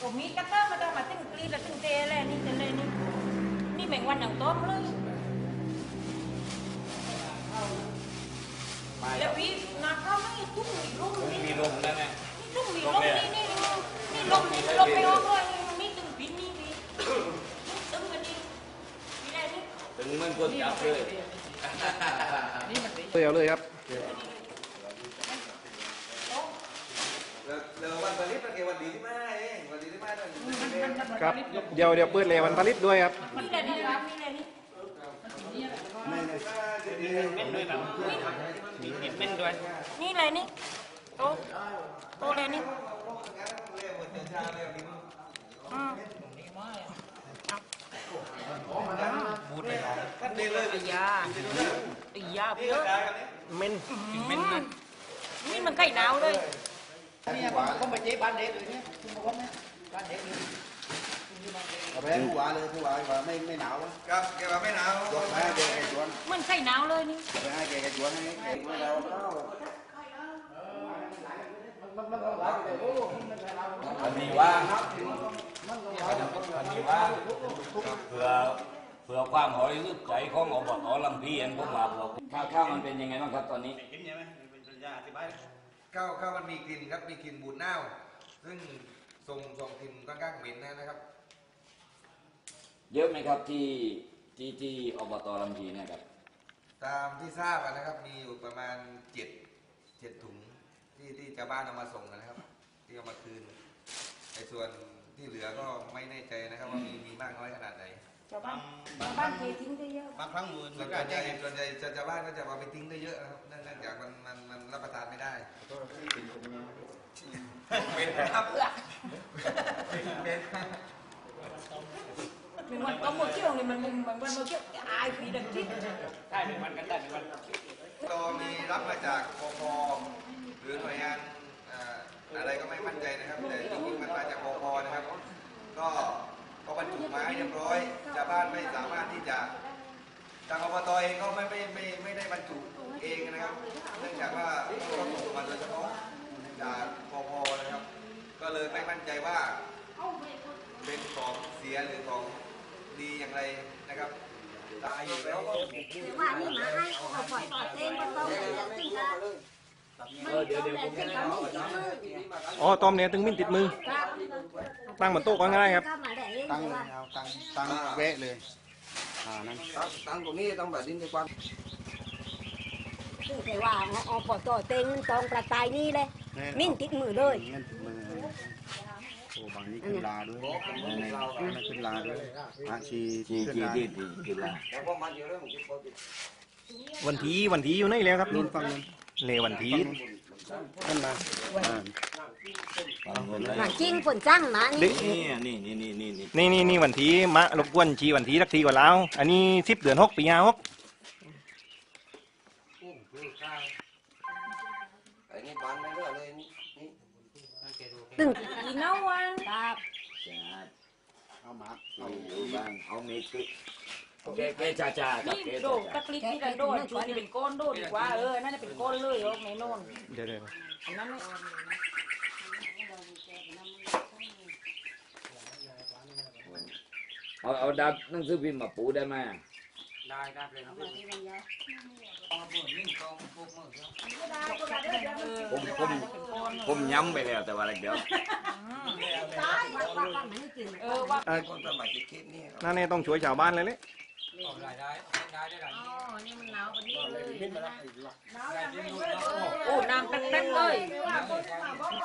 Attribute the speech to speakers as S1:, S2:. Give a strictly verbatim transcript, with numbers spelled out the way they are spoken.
S1: ผมมีกระต้ามาได้มาตึ้งกรีดแล้วตึ้งเตะแล้วนี่เตะเลยนี่นี่แมงวันอย่างต้มเลยแล้วพี่นาข้าวไม่ทุ่งมีร่มนี่มีร่มนั่นแหละนี่ทุ่งมีร่มนี่นี่นี่ร่มนี่ร่มไม่ออกเลยนี่ตึ้งปินนี่พี่ตึ้งกันนี่พี่ได้นี่
S2: ตึ้งมันคนจับเลย
S3: เร็วเลยครับ
S4: เดี๋ยววันผลิตมันเกี่ยววันดีที่มาเองวันดีที่มาเนี่ย
S3: ครับเดี๋ยวเดี๋ยวเปิดเลยวันผลิตด้วยครับ
S1: นี่แหละนี่ครับนี่แหละนี่นี่เลยนี่โตโตเลยนี่อืม
S4: บูดเลยท่านดีเลย
S1: ไอ้ยาไอ้ยาเพื่อเม่นเม่นนี่มันใกล้หนาวเลย
S5: นี่ผมไปเจ๊บ้านเด็กเลยเนี่ยคุณบอกว่าไหมบ้านเด็กเลยเอาไปผู้ว่าเลยผู้ว่าว่าไม่ไม่หนาว
S4: ครับแกว่าไม่หนาว
S5: จวนให้แกแกจวน
S1: มันใกล้หนาวเลยนี่
S5: ไปให้แกแกจวนให้แกไม่เรา
S2: อันนี้ว่าอันนี้ว่าเพื่อเพื่อความหอยลึกใจของอบตลำพีเห็นผมว่าข้าวข้าวมันเป็นยังไงบ้างครับตอนนี้
S4: ข้าวข้าวมันมีกลิ่นครับมีกลิ่นบูดเน่าซึ่งส่งส่งกลิ่นค่อนข้างเหม็นนะครับ
S2: เยอะไหมครับที่ที่ที่อบตลำพีเนี่ยครับ
S4: ตามที่ทราบนะครับมีอยู่ประมาณเจ็ดเจ็ดถุงที่ที่ชาวบ้านเอามาส่งนะครับที่เอามาคืนในส่วนที่เหลือก็ไม่แน่ใจนะครับว่ามีมีมากน้อยขนาดไหน
S1: ชาวบ้านชาวบ้านเททิ้งได้เยอะ
S4: บางครั้งมูลส่วนใหญ่ส่วนใหญ่ชาวบ้านก็จะเอาไปทิ้งได้เยอะนะครับเนื่องจากมันมันมันรับประทานไม่ได้เป็นครับเป็น
S1: เป็นวันก็หมดเที่ยวเลยมันมันมันวันหมดเที่ยวอายผีดังที่
S2: ใช่เป็นวันกันได้เป็นวัน
S4: ก็มีรับมาจากปปหรือหน่วยงานอะไรก็ไม่มั่นใจนะครับแต่จริงๆมันมาจากปปนะครับก็ก็บรรจุมาเรียบร้อยชาวบ้านไม่สามารถที่จะทางอบตเองก็ไม่ไม่ไม่ไม่ได้บรรจุเองนะครับเนื่องจากว่าต้องส่งมาโดยเฉพาะจากปปนะครับก็เลยไม่มั่นใจว่าเป็นของเสียหรือของดีอย่างไรนะครับตายอยู่แล้วก็
S6: ว่านี่มาให้เขาปล่อยเต้นก็ต้องติดนะ
S2: เดี๋ยวเดี๋ยวผม
S3: อ๋อต้มเนี่ยตึงมิ้นติดมือตั้งบนโต๊ะก็ง่ายครับ
S5: ตั้งเอาตั้งตั้งแวะเลยอ่านั่นตั้งตรงนี้ต้องแบบดินในความ
S6: ซึ่งแต่ว่าเอาปล่อยตัวเต้นตรงประตายนี่เลยมิ้นติดมือเลย
S5: โอ้บางนี้ขึ้นลาด้วยในในขึ้นลาด้วยอาชี
S2: จีจีจีจีขึ้นลา
S3: วันทีวันทีอยู่ไหนแล้วครับ
S5: นู่นฟังนู่น
S3: เลวันที
S5: ขึ้นมา
S6: หนังจริงฝนจ้างมานี่
S2: นี่นี่นี่นี่นี่
S3: นี่นี่นี่วันทีมารบกวนชีวันทีสักทีก่อนแล้วอันนี้สิบเดือนหกปีห้าหก
S6: ตึง
S1: อีน้องวัน
S6: ครับ
S5: เอามา
S2: เอาอยู่บ้างเอาเมฆแกแกจ่าจ่า
S1: นี่โดดตะกลิกนี่กันโดดจูนี่เป็นก้อนโดดดีกว่าเออน่าจะเป็นก้อนเลยโอ้ไม่นอน
S3: เดี๋ยวเดี๋ยว
S1: อันนั้น
S2: เอาเอาดับหนังสือพิมพ์มาปูได้ไหม
S4: ได้ได้เลย
S2: ผมผมผมย้ำไปแล้วแต่ว่าอะไรเดี๋ยว
S1: เออว่า
S3: นั่นเนี่ยต้องช่วยชาวบ้านเลยเลย
S1: โอ้น้ำเต็มๆเลย